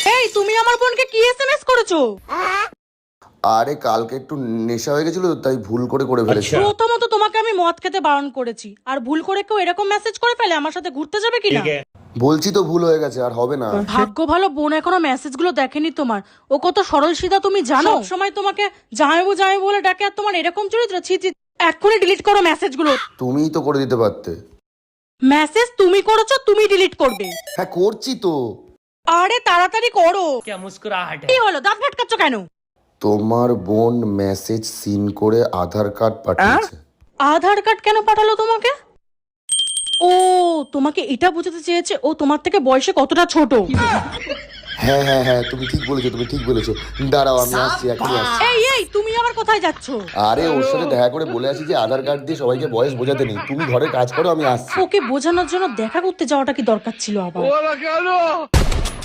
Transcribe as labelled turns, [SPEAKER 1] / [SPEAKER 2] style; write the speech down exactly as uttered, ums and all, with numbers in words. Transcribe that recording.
[SPEAKER 1] এই তুমি আমার বোনকে কি এসএমএস করেছো?
[SPEAKER 2] আরে কালকে একটু নেশা হয়ে গেছিল তাই ভুল করে করে ফেলেছি।
[SPEAKER 1] প্রথমত তোমাকে আমি মদ খেতে বারণ করেছি, আর ভুল করে কেউ এরকম মেসেজ করে ফেলে আমার সাথে ঘুরতে যাবে কিনা?
[SPEAKER 2] বলছি তো ভুল হয়ে গেছে, আর হবে না।
[SPEAKER 1] ভাগ্য ভালো বোন এখনো মেসেজ গুলো দেখেনি তোমার। ও কত সরল সিধা তুমি জানো? সময় তোমাকে জামাইবু জামাইবু বলে ডাকে, আর তোমার এরকম চরিত্র, ছি ছি। এক্ষুনি ডিলিট করো মেসেজ গুলো।
[SPEAKER 2] তুমিই তো করে দিতে পারতে।
[SPEAKER 1] মেসেজ তুমি করেছো, তুমি ডিলিট করবে।
[SPEAKER 2] হ্যাঁ করছি তো।
[SPEAKER 1] আরে তাড়াতাড়ি করো।
[SPEAKER 3] क्या मुस्कुराहट है।
[SPEAKER 1] কি হলো, দাঁত ফাটকাচ্ছ কেন?
[SPEAKER 2] তোমার বোন মেসেজ সিন করে আধার কার্ড পাঠিয়েছে।
[SPEAKER 1] আধার কার্ড কেন পাঠালো তোমাকে? ও তোমাকে এটা বোঝাতে চেয়েছে ও তোমার থেকে বয়সে কতটা ছোট।
[SPEAKER 2] হ্যাঁ হ্যাঁ হ্যাঁ তুমি ঠিক বলেছো, তুমি ঠিক বলেছো। দাঁড়াও আমি আসছি, এখনই আসছি।
[SPEAKER 1] এই এই তুমি আবার কোথায় যাচ্ছ?
[SPEAKER 2] আরে ওর সাথে দেখা করে বলে আসি যে আধার কার্ড দিয়ে সবাইকে বয়স বোঝাতে নেই, তুমি ঘরে কাজ করো, আমি আসছি।
[SPEAKER 1] ওকে বোঝানোর জন্য দেখা করতে যাওয়াটা কি দরকার ছিল আবার?